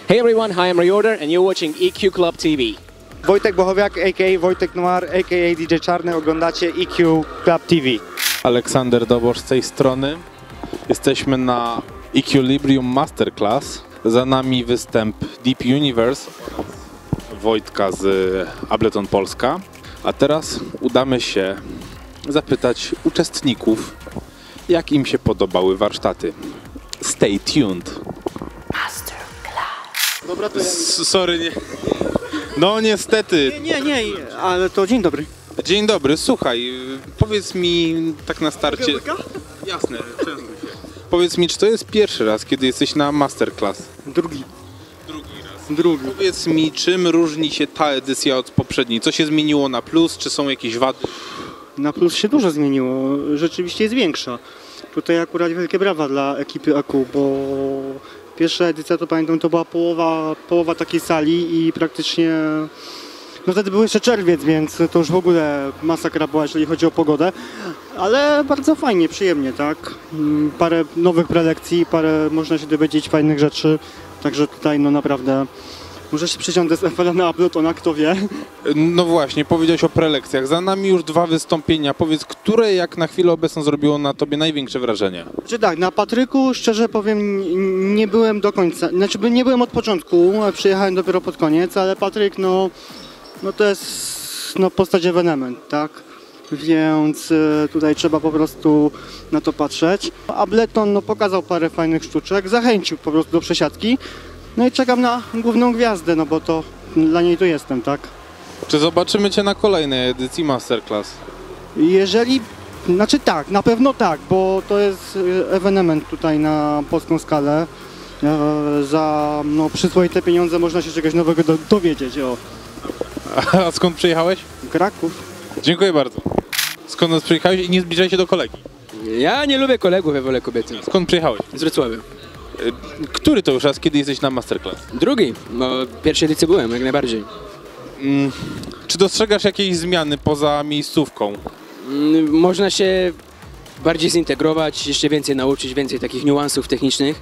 Hey everyone, hi, I'm Reorder and you're watching EQ Club TV. Wojtek Bochowiak, a.k.a. Wojtek Noir, a.k.a. DJ Czarny, oglądacie EQ Club TV. Aleksander Dobosz z tej strony. Jesteśmy na Equilibrium Masterclass. Za nami występ Deep Universe Wojtka z Ableton Polska. A teraz udamy się zapytać uczestników, jak im się podobały warsztaty. Stay tuned. Dobra, to Sorry, nie. No niestety. Nie, ale to dzień dobry. Dzień dobry, słuchaj, powiedz mi tak na starcie. Jasne, częstuj się. Powiedz mi, czy to jest pierwszy raz, kiedy jesteś na Masterclass? Drugi. Drugi. Powiedz mi, czym różni się ta edycja od poprzedniej? Co się zmieniło na plus? Czy są jakieś wady? Na plus się dużo zmieniło, rzeczywiście jest większa. Tutaj akurat wielkie brawa dla ekipy AQ, bo pierwsza edycja, to pamiętam, to była połowa takiej sali i praktycznie, no wtedy był jeszcze czerwiec, więc to już w ogóle masakra była, jeżeli chodzi o pogodę, ale bardzo fajnie, przyjemnie, tak? Parę nowych prelekcji, parę można się dowiedzieć fajnych rzeczy, także tutaj no naprawdę może się przysiądę z FL na Abletona, kto wie. No właśnie, powiedziałeś o prelekcjach. Za nami już 2 wystąpienia. Powiedz, które jak na chwilę obecną zrobiło na tobie największe wrażenie? Czy tak, na Patryku szczerze powiem nie byłem do końca, znaczy nie byłem od początku, przyjechałem dopiero pod koniec, ale Patryk no to jest postać ewenement, tak? Więc tutaj trzeba po prostu na to patrzeć. Ableton pokazał parę fajnych sztuczek, zachęcił po prostu do przesiadki. No i czekam na główną gwiazdę, no bo to dla niej tu jestem, tak? Czy zobaczymy cię na kolejnej edycji Masterclass? Jeżeli, znaczy tak, na pewno tak, bo to jest ewenement tutaj na polską skalę. Za przyzwoite pieniądze można się czegoś nowego dowiedzieć. O. A skąd przyjechałeś? Kraków. Dziękuję bardzo. Skąd nas przyjechałeś i nie zbliżaj się do kolegi? Ja nie lubię kolegów, ja wolę kobiety. Skąd przyjechałeś? Z Wrocławia. Który to już raz, kiedy jesteś na Masterclass? Drugi, no pierwszej edycji byłem, jak najbardziej. Czy dostrzegasz jakieś zmiany poza miejscówką? Można się bardziej zintegrować, jeszcze więcej nauczyć, więcej takich niuansów technicznych.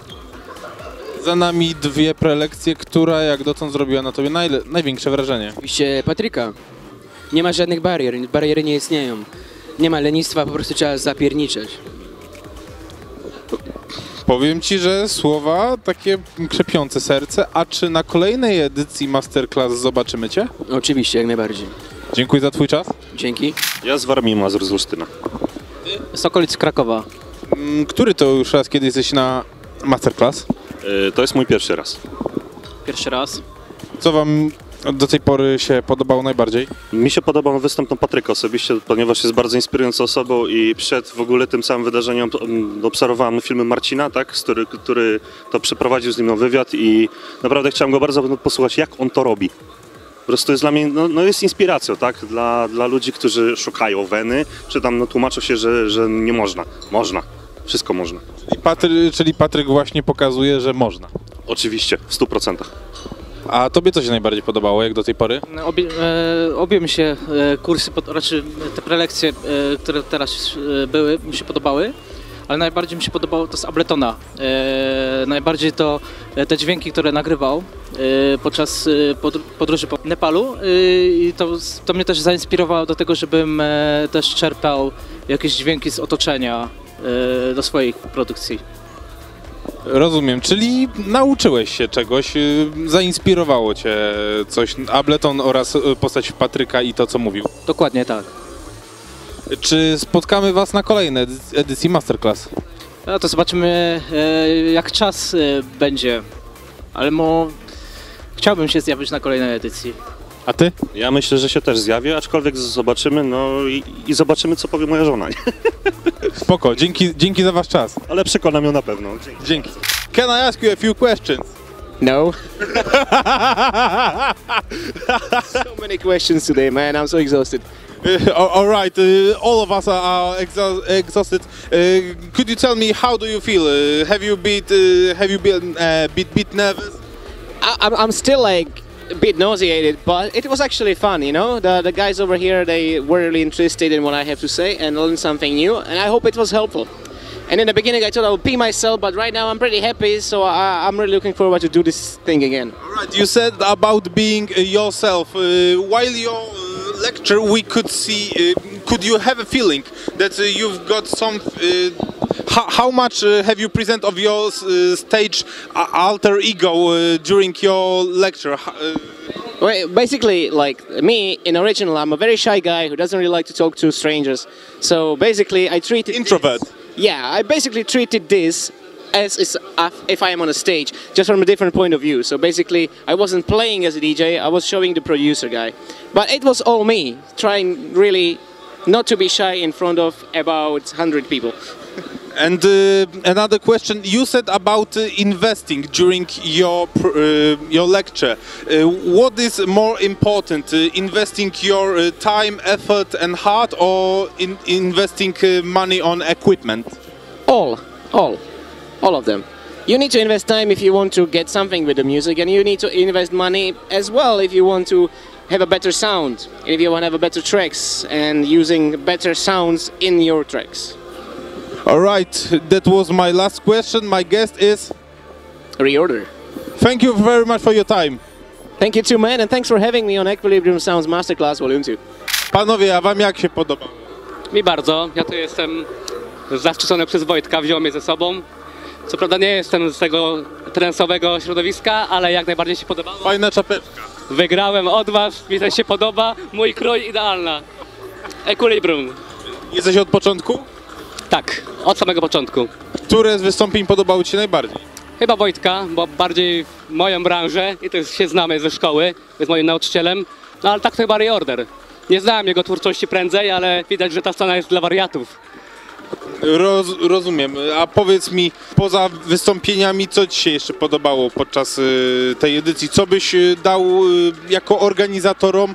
Za nami 2 prelekcje, która jak dotąd zrobiła na tobie największe wrażenie. Oczywiście Patryka. Nie ma żadnych barier, bariery nie istnieją. Nie ma lenistwa, po prostu trzeba zapierniczeć. Powiem ci, że słowa takie krzepiące serce, a czy na kolejnej edycji Masterclass zobaczymy cię? Oczywiście, jak najbardziej. Dziękuję za twój czas. Dzięki. Ja z Warmii Mazur z Olsztyna. Z okolic Krakowa. Który to już raz, kiedy jesteś na Masterclass? To jest mój pierwszy raz. Pierwszy raz. Co wam do tej pory się podobało najbardziej? Mi się podobał występ Patryka osobiście, ponieważ jest bardzo inspirującą osobą i przed w ogóle tym samym wydarzeniem obserwowałem filmy Marcina, tak, który to przeprowadził z nim wywiad i naprawdę chciałem go bardzo posłuchać, jak on to robi. Po prostu jest dla mnie, jest inspiracją, tak, dla ludzi, którzy szukają weny, czy tam tłumaczą się, że nie można. Można. Wszystko można. Czyli Patryk właśnie pokazuje, że można. Oczywiście, w 100%. A tobie co się najbardziej podobało, jak do tej pory? Obie mi się kursy, raczej te prelekcje, które teraz były, mi się podobały, ale najbardziej mi się podobało to z Abletona. Najbardziej to te dźwięki, które nagrywał podczas podróży po Nepalu i to mnie też zainspirowało do tego, żebym też czerpał jakieś dźwięki z otoczenia do swoich produkcji. Rozumiem, czyli nauczyłeś się czegoś, zainspirowało cię coś, Ableton oraz postać Patryka i to, co mówił. Dokładnie tak. Czy spotkamy was na kolejnej edycji Masterclass? No to zobaczymy, jak czas będzie, ale chciałbym się zjawić na kolejnej edycji. A ty? Ja myślę, że się też zjawię, aczkolwiek zobaczymy, i zobaczymy, co powie moja żona. Spoko, dzięki za wasz czas. Ale przekonam ją na pewno. Dzięki. Can I ask you a few questions? No. So many questions today, man. I'm so exhausted. All right, all of us are exhausted. Could you tell me, how do you feel? Have you been bit nervous? I'm still like a bit nauseated, but it was actually fun, you know? The guys over here, they were really interested in what I have to say and learned something new, and I hope it was helpful. And in the beginning I thought I would pee myself, but right now I'm pretty happy, so I'm really looking forward to do this thing again. Right, you said about being yourself. While your lecture, we could see. Could you have a feeling that you've got some? How much have you present of your stage alter ego during your lecture? Well, basically, like me, in original, I'm a very shy guy who doesn't really like to talk to strangers. So basically, I treated Introvert. I basically treated this as if I am on a stage, just from a different point of view. So basically, I wasn't playing as a DJ, I was showing the producer guy. But it was all me, trying really not to be shy in front of about 100 people. And another question, you said about investing during your lecture. What is more important, investing your time, effort and heart, or investing money on equipment? All of them. You need to invest time if you want to get something with the music, and you need to invest money as well if you want to have a better sound, if you want to have a better tracks and using better sounds in your tracks. All right, that was my last question. My guest is... Reorder. Thank you very much for your time. Thank you too, man, and thanks for having me on Equilibrium Sounds Masterclass Volume 2. Panowie, a wam jak się podoba? Mi bardzo. Ja tu jestem zaszczycony przez Wojtka, wziął mnie ze sobą. Co prawda nie jestem z tego transowego środowiska, ale jak najbardziej się podobało. Fajna czapeczka. Wygrałem od was, mi też się podoba. Mój krój idealna. Equilibrium. Jesteś od początku? Tak, od samego początku. Które z wystąpień podobały ci się najbardziej? Chyba Wojtka, bo bardziej w moją branżę i też się znamy ze szkoły, jest moim nauczycielem. No ale tak to chyba Reorder. Nie znałem jego twórczości prędzej, ale widać, że ta scena jest dla wariatów. Rozumiem. A powiedz mi, poza wystąpieniami, co ci się jeszcze podobało podczas tej edycji? Co byś dał jako organizatorom,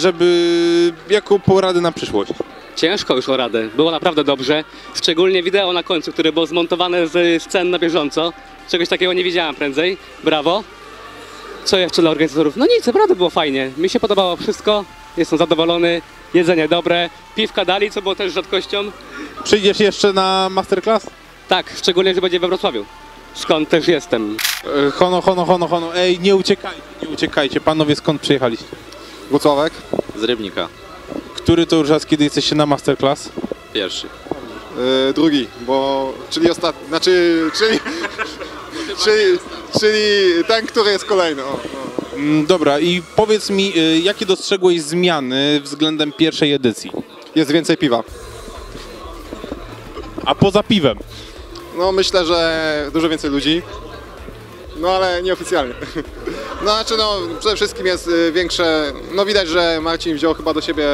jako poradę na przyszłość? Ciężko już o radę. Było naprawdę dobrze. Szczególnie wideo na końcu, które było zmontowane z scen na bieżąco. Czegoś takiego nie widziałem prędzej. Brawo. Co jeszcze dla organizatorów? No nic, naprawdę było fajnie. Mi się podobało wszystko. Jestem zadowolony. Jedzenie dobre. Piwka dali, co było też rzadkością. Przyjdziesz jeszcze na masterclass? Tak, szczególnie, że będzie we Wrocławiu. Skąd też jestem. Hono. Ej, nie uciekajcie. Panowie, skąd przyjechaliście? Włocławek. Z Rybnika. Który to już raz, kiedy jesteście na masterclass? Pierwszy. Drugi, bo... czyli ostatni, czyli ten, który jest kolejny. Dobra, i powiedz mi, jakie dostrzegłeś zmiany względem pierwszej edycji? Jest więcej piwa. A poza piwem? No myślę, że dużo więcej ludzi. No ale nieoficjalnie. No znaczy przede wszystkim jest większe, no widać, że Marcin wziął chyba do siebie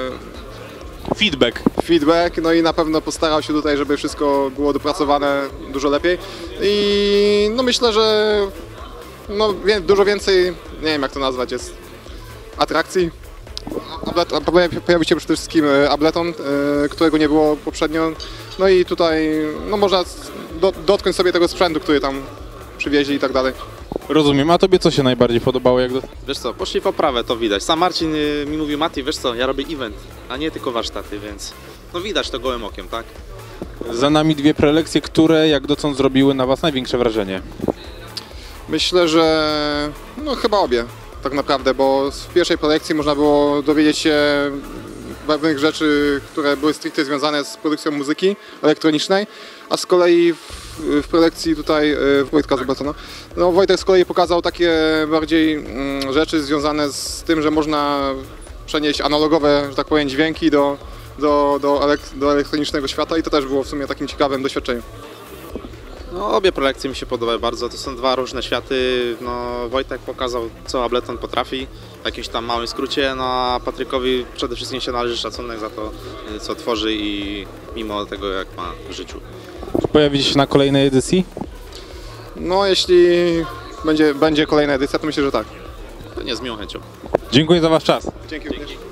feedback, no i na pewno postarał się tutaj, żeby wszystko było dopracowane dużo lepiej. I no myślę, że no dużo więcej, nie wiem jak to nazwać, jest atrakcji. Pojawił się przede wszystkim Ableton, którego nie było poprzednio. No i tutaj no można dotknąć sobie tego sprzętu, który tam przywieźli i tak dalej. Rozumiem, a tobie co się najbardziej podobało? Wiesz co, poszli w poprawę, to widać. Sam Marcin mi mówił, Mati, wiesz co, ja robię event, a nie tylko warsztaty, więc no widać to gołym okiem, tak? Za nami dwie prelekcje, które jak dotąd zrobiły na was największe wrażenie? Myślę, że no chyba obie tak naprawdę, bo w pierwszej prelekcji można było dowiedzieć się pewnych rzeczy, które były stricte związane z produkcją muzyki elektronicznej, a z kolei w prelekcji tutaj Wojtka z Abletona, no Wojtek z kolei pokazał takie bardziej rzeczy związane z tym, że można przenieść analogowe, że tak powiem, dźwięki do elektronicznego świata i to też było w sumie takim ciekawym doświadczeniem. No obie prelekcje mi się podobały bardzo, to są dwa różne światy. No Wojtek pokazał, co Ableton potrafi w jakimś tam małym skrócie, no a Patrykowi przede wszystkim się należy szacunek za to, co tworzy i mimo tego, jak ma w życiu. Pojawicie się na kolejnej edycji? No jeśli będzie kolejna edycja, to myślę, że tak. Nie z miłą chęcią. Dziękuję za wasz czas. Dzięki.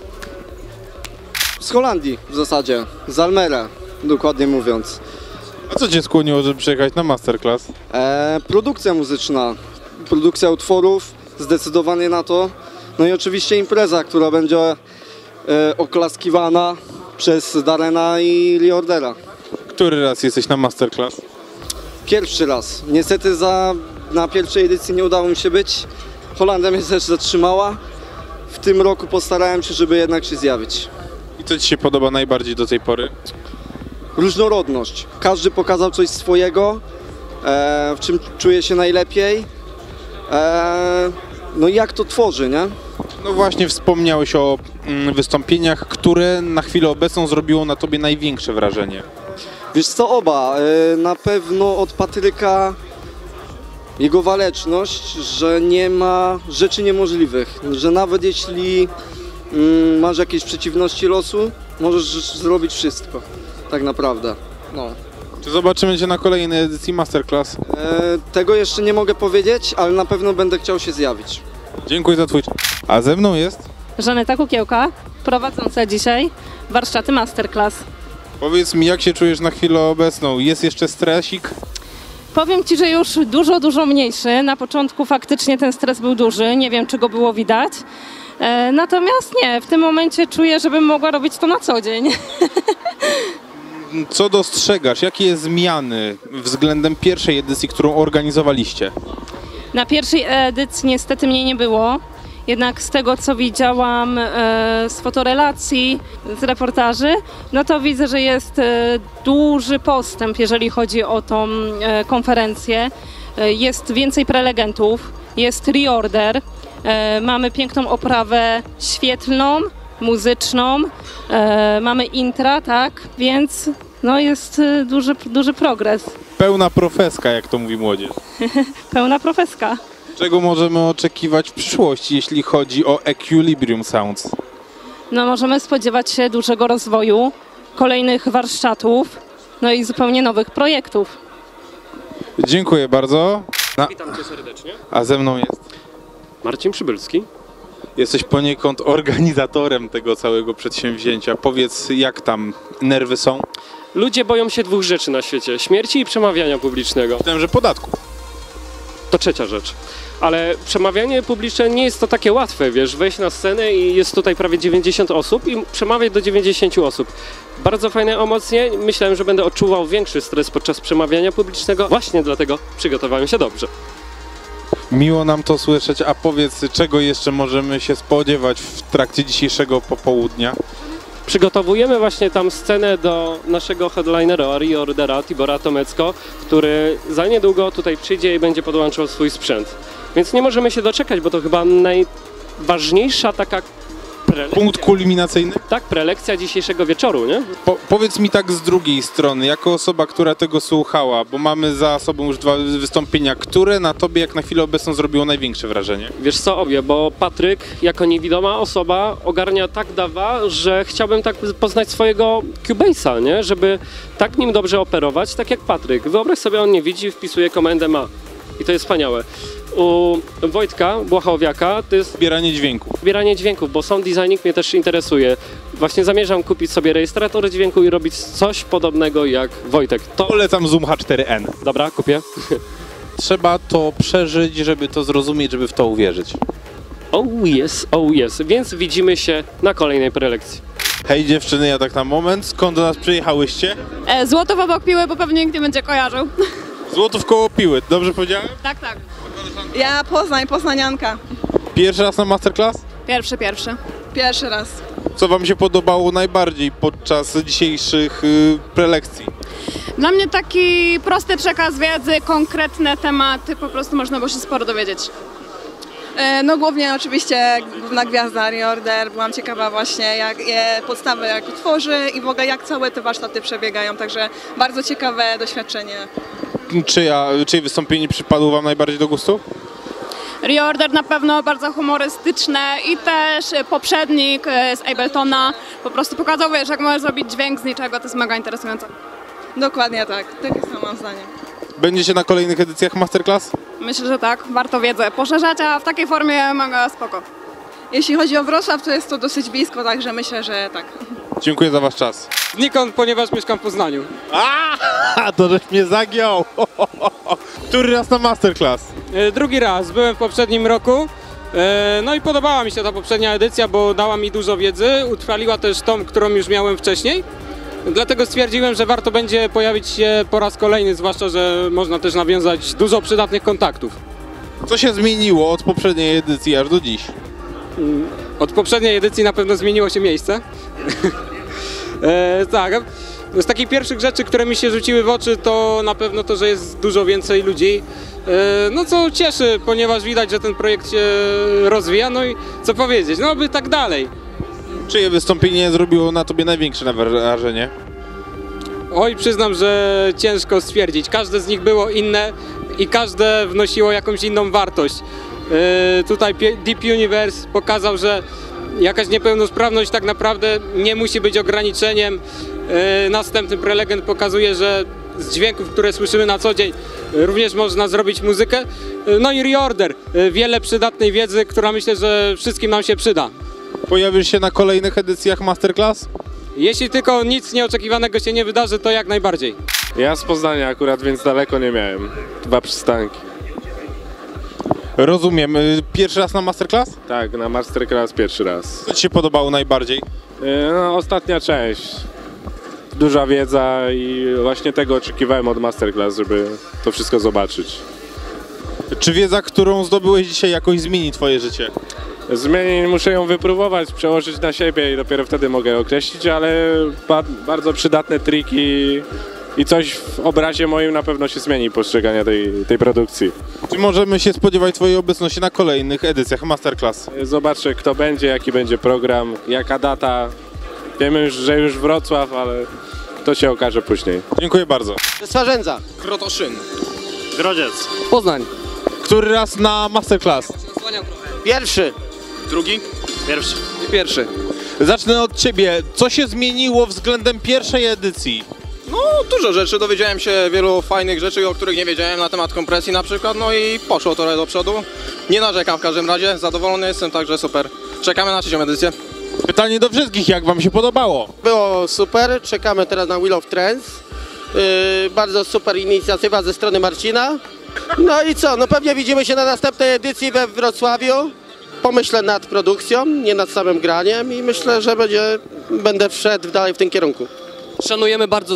Z Holandii w zasadzie, z Almere, dokładnie mówiąc. A co cię skłoniło, żeby przyjechać na masterclass? Produkcja muzyczna, produkcja utworów, zdecydowanie na to. No i oczywiście impreza, która będzie oklaskiwana przez Darena i Reordera. Który raz jesteś na masterclass? Pierwszy raz. Niestety na pierwszej edycji nie udało mi się być. Holandia mnie też zatrzymała. W tym roku postarałem się, żeby jednak się zjawić. I co ci się podoba najbardziej do tej pory? Różnorodność. Każdy pokazał coś swojego, w czym czuje się najlepiej. No i jak to tworzy, nie? No właśnie wspomniałeś o wystąpieniach, które na chwilę obecną zrobiło na tobie największe wrażenie. Wiesz co, oba. Na pewno od Patryka jego waleczność, że nie ma rzeczy niemożliwych. Że nawet jeśli masz jakieś przeciwności losu, możesz zrobić wszystko. Tak naprawdę. No. Czy zobaczymy cię na kolejnej edycji masterclass? Tego jeszcze nie mogę powiedzieć, ale na pewno będę chciał się zjawić. Dziękuję za twój czas. A ze mną jest? Żaneta Kukiełka, prowadząca dzisiaj warsztaty masterclass. Powiedz mi, jak się czujesz na chwilę obecną? Jest jeszcze stresik? Powiem Ci, że już dużo mniejszy. Na początku faktycznie ten stres był duży, nie wiem, czy go było widać. Natomiast nie, w tym momencie czuję, żebym mogła robić to na co dzień. Co dostrzegasz? Jakie zmiany względem pierwszej edycji, którą organizowaliście? Na pierwszej edycji niestety mnie nie było. Jednak z tego, co widziałam z fotorelacji, z reportaży, no to widzę, że jest duży postęp, jeżeli chodzi o tą konferencję. Jest więcej prelegentów, jest reorder, mamy piękną oprawę świetlną, muzyczną, mamy intra, tak, więc no jest duży progres. Pełna profeska, jak to mówi młodzież. Pełna profeska. Czego możemy oczekiwać w przyszłości, jeśli chodzi o Equilibrium Sounds? No możemy spodziewać się dużego rozwoju, kolejnych warsztatów, no i zupełnie nowych projektów. Dziękuję bardzo. Witam Cię serdecznie. A ze mną jest? Marcin Przybylski. Jesteś poniekąd organizatorem tego całego przedsięwzięcia. Powiedz, jak tam nerwy są? Ludzie boją się dwóch rzeczy na świecie. Śmierci i przemawiania publicznego. Myślałem, że podatków. To trzecia rzecz. Ale przemawianie publiczne nie jest to takie łatwe, wiesz, wejść na scenę i jest tutaj prawie 90 osób i przemawiać do 90 osób. Bardzo fajne emocje. Myślałem, że będę odczuwał większy stres podczas przemawiania publicznego. Właśnie dlatego przygotowałem się dobrze. Miło nam to słyszeć, a powiedz, czego jeszcze możemy się spodziewać w trakcie dzisiejszego popołudnia? Przygotowujemy właśnie tam scenę do naszego headlinera, reordera Tibora Tomecko, który za niedługo tutaj przyjdzie i będzie podłączał swój sprzęt. Więc nie możemy się doczekać, bo to chyba najważniejsza taka prelekcja. Punkt kulminacyjny? Tak, prelekcja dzisiejszego wieczoru, nie? Powiedz mi tak z drugiej strony, jako osoba, która tego słuchała, bo mamy za sobą już dwa wystąpienia, które na tobie jak na chwilę obecną zrobiło największe wrażenie? Wiesz co, obie, bo Patryk jako niewidoma osoba ogarnia tak dawa, że chciałbym tak poznać swojego Cubase'a, nie? Żeby tak nim dobrze operować, tak jak Patryk. Wyobraź sobie, on nie widzi, wpisuje komendę ma. I to jest wspaniałe. U Wojtka Błachowiaka to jest zbieranie dźwięków. Zbieranie dźwięków, bo sound designing mnie też interesuje. Właśnie zamierzam kupić sobie rejestrator dźwięku i robić coś podobnego jak Wojtek. Polecam Zoom H4n. Dobra, kupię. Trzeba to przeżyć, żeby to zrozumieć, żeby w to uwierzyć. Oh yes. Więc widzimy się na kolejnej prelekcji. Hej dziewczyny, ja tak na moment. Skąd do nas przyjechałyście? Złotów obok Piły, bo pewnie nikt nie będzie kojarzył. Złotów koło Piły, dobrze powiedziałem? Tak. Ja Poznań, poznanianka. Pierwszy raz na masterclass? Pierwszy raz. Co wam się podobało najbardziej podczas dzisiejszych prelekcji? Dla mnie taki prosty przekaz wiedzy, konkretne tematy, po prostu można było się sporo dowiedzieć. No głównie oczywiście główna gwiazda Reorder, byłam ciekawa właśnie jak podstawy jak tworzy i w ogóle jak całe te warsztaty przebiegają, także bardzo ciekawe doświadczenie. Czyje wystąpienie przypadło wam najbardziej do gustu? Reorder na pewno bardzo humorystyczne i też poprzednik z Abletona po prostu pokazał, wiesz, jak możesz zrobić dźwięk z niczego, to jest mega interesujące. Dokładnie tak, takie samo mam zdanie. Będziecie na kolejnych edycjach masterclass? Myślę, że tak, warto wiedzę poszerzać, a w takiej formie mega spoko. Jeśli chodzi o Wrocław, to jest to dosyć blisko, także myślę, że tak. Dziękuję za wasz czas. Znikąd, ponieważ mieszkam w Poznaniu. To żeś mnie zagiął! Który raz na masterclass? Drugi raz, byłem w poprzednim roku. No i podobała mi się ta poprzednia edycja, bo dała mi dużo wiedzy, utrwaliła też tą, którą już miałem wcześniej. Dlatego stwierdziłem, że warto będzie pojawić się po raz kolejny, zwłaszcza, że można też nawiązać dużo przydatnych kontaktów. Co się zmieniło od poprzedniej edycji aż do dziś? Od poprzedniej edycji na pewno zmieniło się miejsce. Tak, z takich pierwszych rzeczy, które mi się rzuciły w oczy, to na pewno to, że jest dużo więcej ludzi. No co cieszy, ponieważ widać, że ten projekt się rozwija, no i co powiedzieć, no by tak dalej. Czyje wystąpienie zrobiło na tobie największe wrażenie? Oj, przyznam, że ciężko stwierdzić. Każde z nich było inne i każde wnosiło jakąś inną wartość. Tutaj Deep Universe pokazał, że jakaś niepełnosprawność tak naprawdę nie musi być ograniczeniem. Następny prelegent pokazuje, że z dźwięków, które słyszymy na co dzień, również można zrobić muzykę. No i Reorder, wiele przydatnej wiedzy, która myślę, że wszystkim nam się przyda. Pojawisz się na kolejnych edycjach Masterclass? Jeśli tylko nic nieoczekiwanego się nie wydarzy, to jak najbardziej. Ja z Poznania akurat, więc daleko nie miałem. 2 przystanki. Rozumiem. Pierwszy raz na Masterclass? Tak, na Masterclass pierwszy raz. Co ci się podobało najbardziej? No, ostatnia część. Duża wiedza i właśnie tego oczekiwałem od Masterclass, żeby to wszystko zobaczyć. Czy wiedza, którą zdobyłeś dzisiaj, jakoś zmieni twoje życie? Zmieni, muszę ją wypróbować, przełożyć na siebie i dopiero wtedy mogę określić, ale bardzo przydatne triki i coś w obrazie moim na pewno się zmieni postrzegania tej produkcji. Czy możemy się spodziewać twojej obecności na kolejnych edycjach Masterclass? Zobaczę, kto będzie, jaki będzie program, jaka data. Wiemy już, że już Wrocław, ale to się okaże później. Dziękuję bardzo. Swarzędza. Krotoszyn. Grodziec. Poznań. Który raz na Masterclass? Pierwszy. Drugi? Pierwszy. Pierwszy. Zacznę od ciebie. Co się zmieniło względem pierwszej edycji? No, dużo rzeczy. Dowiedziałem się wielu fajnych rzeczy, o których nie wiedziałem na temat kompresji na przykład, no i poszło trochę do przodu. Nie narzekam w każdym razie, zadowolony jestem, także super. Czekamy na 3. edycję. Pytanie do wszystkich, jak wam się podobało? Było super, czekamy teraz na Wheel of Trends. Bardzo super inicjatywa ze strony Marcina. No i co, no pewnie widzimy się na następnej edycji we Wrocławiu. Pomyślę nad produkcją, nie nad samym graniem i myślę, że będę wszedł dalej w tym kierunku. Szanujemy bardzo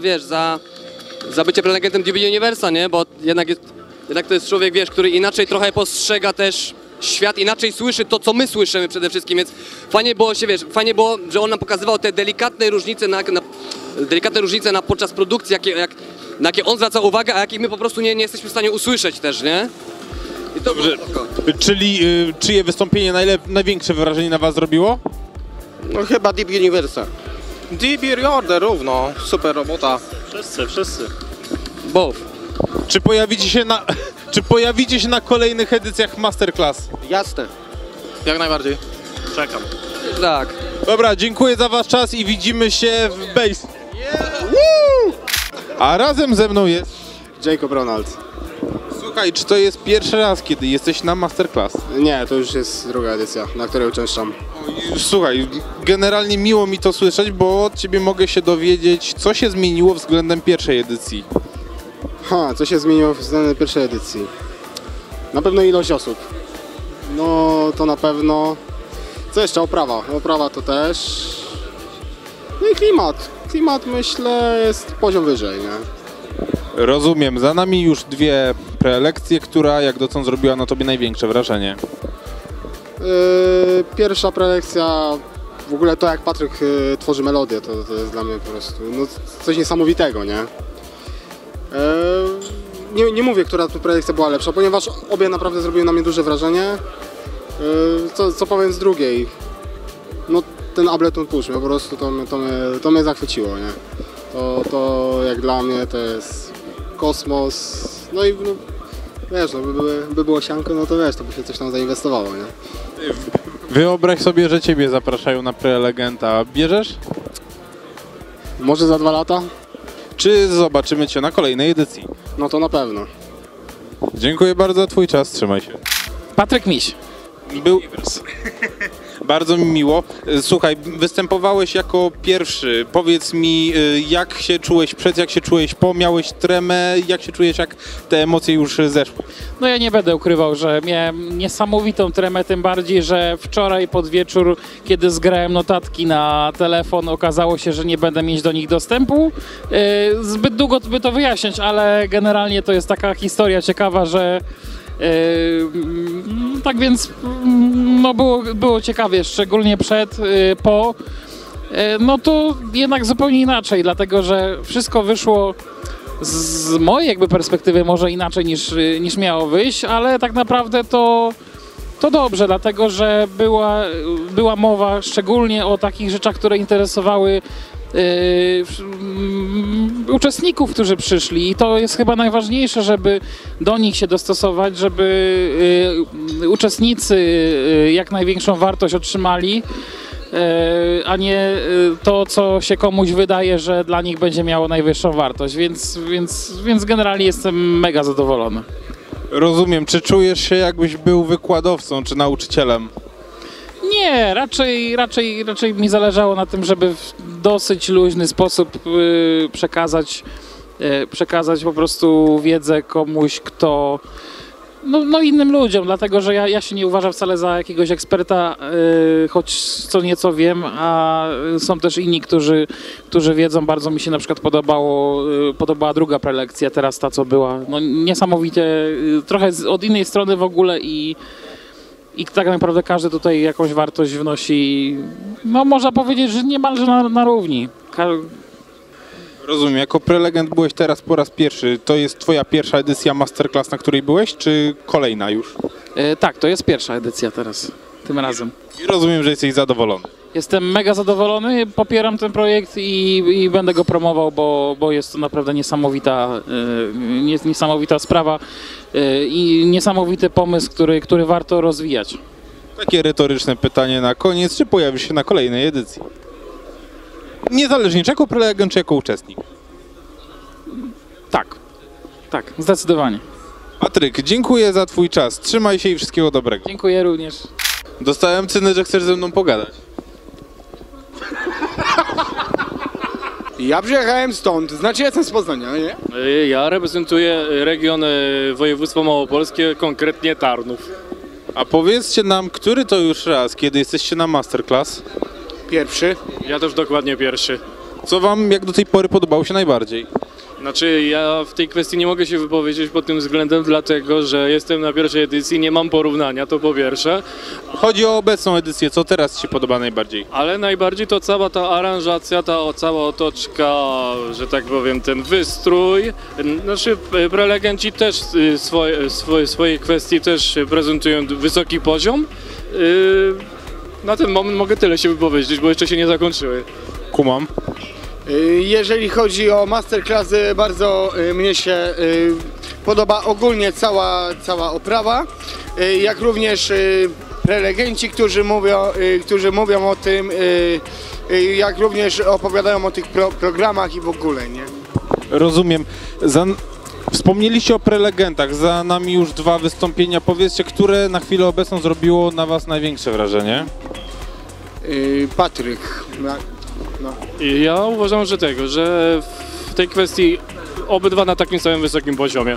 za bycie prelegentem Deep Universe'a, nie? Bo jednak to jest człowiek, wiesz, który inaczej trochę postrzega też świat, inaczej słyszy to, co my słyszymy przede wszystkim, więc fajnie było, że on nam pokazywał te delikatne różnice podczas produkcji, na jakie on zwraca uwagę, a jakich my po prostu nie jesteśmy w stanie usłyszeć też, nie? I to dobrze. Czyli czyje wystąpienie największe wrażenie na was zrobiło? No chyba Deep Universe'a. Deep Order równo, super robota. Wszyscy. Both. Czy pojawicie się na kolejnych edycjach Masterclass? Jasne. Jak najbardziej. Czekam. Tak. Dobra, dziękuję za wasz czas i widzimy się w Base. A razem ze mną jest Jacob Ronald. Słuchaj, czy to jest pierwszy raz, kiedy jesteś na Masterclass? Nie, to już jest druga edycja, na której uczęszczam. Słuchaj, generalnie miło mi to słyszeć, bo od ciebie mogę się dowiedzieć, co się zmieniło względem pierwszej edycji. Co się zmieniło względem pierwszej edycji? Na pewno ilość osób. No to na pewno. Co jeszcze? Oprawa. Oprawa to też. No i klimat. Klimat myślę jest poziom wyżej, nie? Rozumiem. Za nami już 2 prelekcje, która jak dotąd zrobiła na tobie największe wrażenie. Pierwsza prelekcja, w ogóle to jak Patryk tworzy melodię, to jest dla mnie po prostu coś niesamowitego, nie? Nie mówię, która prelekcja była lepsza, ponieważ obie naprawdę zrobiły na mnie duże wrażenie. Co powiem z drugiej? No ten Ableton Push, po prostu to mnie zachwyciło, nie? To jak dla mnie to jest kosmos, no i wiesz, by było sianko, no to wiesz, to by się coś tam zainwestowało, nie? Wyobraź sobie, że ciebie zapraszają na prelegenta. Bierzesz? Może za 2 lata? Czy zobaczymy cię na kolejnej edycji? No to na pewno. Dziękuję bardzo za twój czas, trzymaj się. Patryk Miś. Bardzo mi miło. Słuchaj, występowałeś jako pierwszy. Powiedz mi, jak się czułeś przed, jak się czułeś po, miałeś tremę, jak się czujesz, jak te emocje już zeszły? No ja nie będę ukrywał, że miałem niesamowitą tremę, tym bardziej, że wczoraj pod wieczór, kiedy zgrałem notatki na telefon, okazało się, że nie będę mieć do nich dostępu. Zbyt długo by to wyjaśniać, ale generalnie to jest taka historia ciekawa, że tak więc no było ciekawie, szczególnie przed, po. No to jednak zupełnie inaczej, dlatego że wszystko wyszło z mojej jakby perspektywy może inaczej niż miało wyjść, ale tak naprawdę to dobrze, dlatego że była mowa szczególnie o takich rzeczach, które interesowały uczestników, którzy przyszli i to jest chyba najważniejsze, żeby do nich się dostosować, żeby uczestnicy jak największą wartość otrzymali, a nie to, co się komuś wydaje, że dla nich będzie miało najwyższą wartość, więc generalnie jestem mega zadowolony. Rozumiem. Czy czujesz się, jakbyś był wykładowcą czy nauczycielem? Nie, raczej mi zależało na tym, żeby w dosyć luźny sposób przekazać po prostu wiedzę komuś, kto no innym ludziom, dlatego że ja się nie uważam wcale za jakiegoś eksperta, choć co nieco wiem, a są też inni, którzy wiedzą. Bardzo mi się na przykład podobała druga prelekcja, teraz ta, co była, no niesamowicie, trochę od innej strony w ogóle i tak naprawdę każdy tutaj jakąś wartość wnosi, no można powiedzieć, że niemalże na równi. Rozumiem. Jako prelegent byłeś teraz po raz pierwszy. To jest twoja pierwsza edycja Masterclass, na której byłeś, czy kolejna już? Tak, to jest pierwsza edycja teraz, tym razem. I rozumiem, że jesteś zadowolony. Jestem mega zadowolony, popieram ten projekt i będę go promował, bo jest to naprawdę niesamowita sprawa i niesamowity pomysł, który warto rozwijać. Takie retoryczne pytanie na koniec. Czy pojawisz się na kolejnej edycji? Niezależnie, czy jako prelegent, czy jako uczestnik? Tak, zdecydowanie. Patryk, dziękuję za twój czas. Trzymaj się i wszystkiego dobrego. Dziękuję również. Dostałem cynę, że chcesz ze mną pogadać. Ja przyjechałem stąd, znaczy jestem z Poznania, nie? Ja reprezentuję region województwa małopolskie, konkretnie Tarnów. A powiedzcie nam, który to już raz, kiedy jesteście na Masterclass? Pierwszy. Ja też dokładnie pierwszy. Co wam jak do tej pory podobało się najbardziej? Znaczy ja w tej kwestii nie mogę się wypowiedzieć pod tym względem, dlatego że jestem na pierwszej edycji, nie mam porównania, to po pierwsze. Chodzi o obecną edycję, co teraz ci się podoba najbardziej? Ale najbardziej to cała ta aranżacja, cała otoczka, że tak powiem, ten wystrój. Znaczy prelegenci też swoje kwestie też prezentują wysoki poziom. Na ten moment mogę tyle się wypowiedzieć, bo jeszcze się nie zakończyły. Kumam. Jeżeli chodzi o masterclassy, bardzo mnie się podoba ogólnie cała oprawa, jak również prelegenci, którzy mówią o tym, jak również opowiadają o tych programach i w ogóle, nie? Rozumiem. Wspomnieliście o prelegentach, za nami już 2 wystąpienia. Powiedzcie, które na chwilę obecną zrobiło na was największe wrażenie? Patryk. No. Ja uważam, że w tej kwestii obydwa na takim samym wysokim poziomie.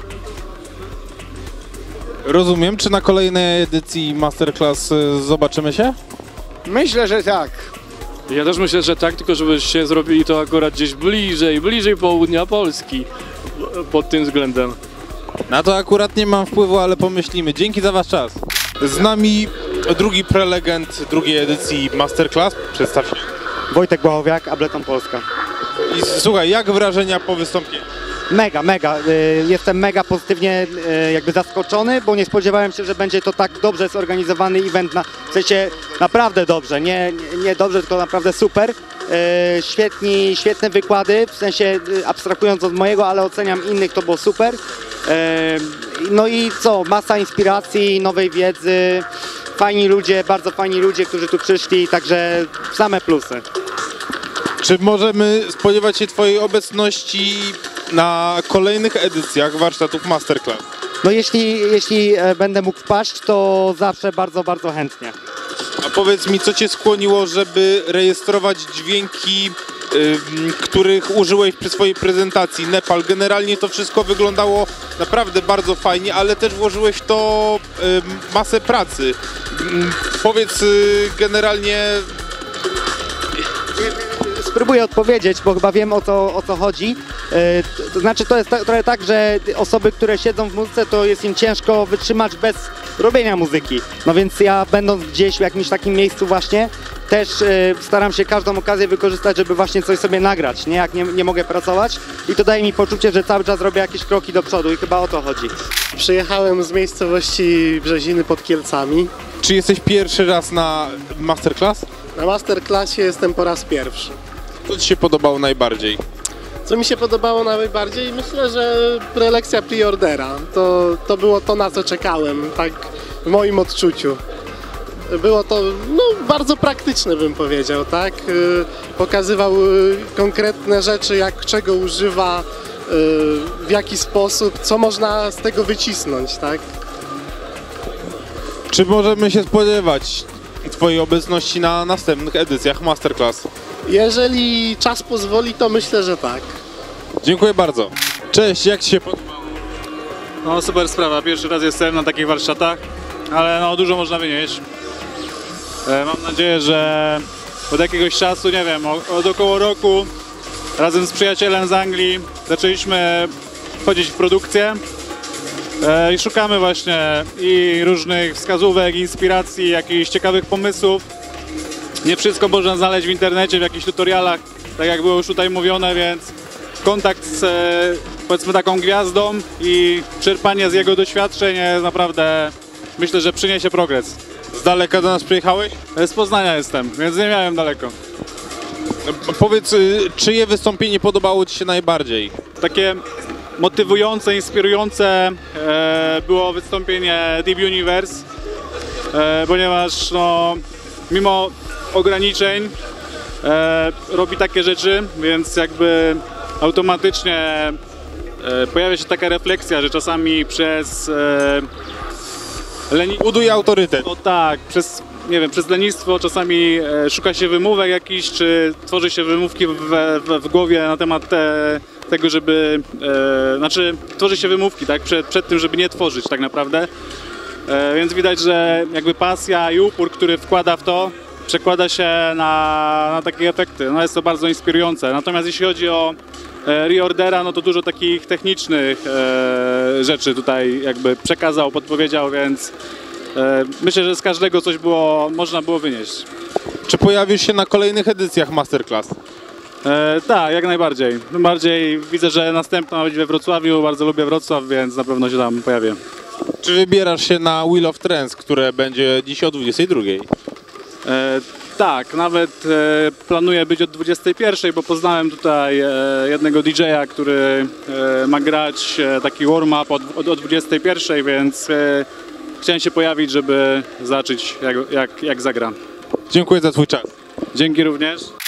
Rozumiem. Czy na kolejnej edycji Masterclass zobaczymy się? Myślę, że tak. Ja też myślę, że tak, tylko żebyście zrobili to akurat gdzieś bliżej południa Polski pod tym względem. Na to akurat nie mam wpływu, ale pomyślimy. Dzięki za wasz czas. Z nami drugi prelegent drugiej edycji Masterclass. Przedstaw się. Wojtek Błachowiak, Ableton Polska. I słuchaj, jak wrażenia po wystąpieniu? Mega. Jestem mega pozytywnie jakby zaskoczony, bo nie spodziewałem się, że będzie to tak dobrze zorganizowany event, w sensie naprawdę dobrze, nie dobrze, tylko naprawdę super. Świetne wykłady, w sensie abstrahując od mojego, ale oceniam innych, to było super. No i co, masa inspiracji, nowej wiedzy, fajni ludzie, bardzo fajni ludzie, którzy tu przyszli, także same plusy. Czy możemy spodziewać się twojej obecności na kolejnych edycjach warsztatów Masterclass? No jeśli będę mógł wpaść, to zawsze bardzo chętnie. A Powiedz mi, co cię skłoniło, żeby rejestrować dźwięki, których użyłeś przy swojej prezentacji? Nepal, generalnie to wszystko wyglądało naprawdę bardzo fajnie, ale też włożyłeś w to masę pracy. Powiedz generalnie... Spróbuję odpowiedzieć, bo chyba wiem o co chodzi. To znaczy to jest trochę tak, że osoby, które siedzą w muzyce, to jest im ciężko wytrzymać bez robienia muzyki. No więc ja będąc gdzieś w jakimś takim miejscu właśnie, też staram się każdą okazję wykorzystać, żeby właśnie coś sobie nagrać, nie? Jak nie mogę pracować i to daje mi poczucie, że cały czas robię jakieś kroki do przodu i chyba o to chodzi. Przyjechałem z miejscowości Brzeziny pod Kielcami. Czy jesteś pierwszy raz na masterclass? Na masterclassie jestem po raz pierwszy. Co ci się podobało najbardziej? Co mi się podobało najbardziej? Myślę, że prelekcja preordera. To było to, na co czekałem, tak w moim odczuciu. Było to bardzo praktyczne, bym powiedział, tak? Pokazywał konkretne rzeczy, jak czego używa, w jaki sposób, co można z tego wycisnąć, tak? Czy możemy się spodziewać twojej obecności na następnych edycjach masterclass? Jeżeli czas pozwoli, to myślę, że tak. Dziękuję bardzo. Cześć, jak ci się podobało? No super sprawa, pierwszy raz jestem na takich warsztatach, ale dużo można wynieść. Mam nadzieję, że od jakiegoś czasu, nie wiem, od około roku razem z przyjacielem z Anglii zaczęliśmy wchodzić w produkcję i szukamy właśnie i różnych wskazówek, inspiracji, jakichś ciekawych pomysłów. Nie wszystko można znaleźć w internecie, w jakichś tutorialach, tak jak było już tutaj mówione, więc kontakt z powiedzmy taką gwiazdą i czerpanie z jego doświadczeń jest naprawdę, myślę, że przyniesie progres. Z daleka do nas przyjechałeś? Z Poznania jestem, więc nie miałem daleko. Powiedz, czyje wystąpienie podobało ci się najbardziej? Takie motywujące, inspirujące było wystąpienie Deep Universe, ponieważ mimo ograniczeń robi takie rzeczy, więc jakby automatycznie pojawia się taka refleksja, że czasami przez buduje autorytet. No tak, przez lenistwo czasami szuka się wymówek jakichś, czy tworzy się wymówki w głowie na temat tego, żeby... tworzy się wymówki, tak, przed tym, żeby nie tworzyć tak naprawdę. Więc widać, że jakby pasja i upór, który wkłada w to, przekłada się na takie efekty. Jest to bardzo inspirujące. Natomiast jeśli chodzi o reordera, to dużo takich technicznych rzeczy tutaj jakby przekazał, podpowiedział, więc myślę, że z każdego coś można było wynieść. Czy pojawisz się na kolejnych edycjach masterclass? Tak, jak najbardziej. Tym bardziej widzę, że następna ma być we Wrocławiu, bardzo lubię Wrocław, więc na pewno się tam pojawię. Czy wybierasz się na Wheel of Trance, które będzie dziś o 22? Tak, nawet planuję być o 21, bo poznałem tutaj jednego DJ-a, który ma grać taki warm-up o 21, więc chciałem się pojawić, żeby zobaczyć jak zagra. Dziękuję za twój czas. Dzięki również.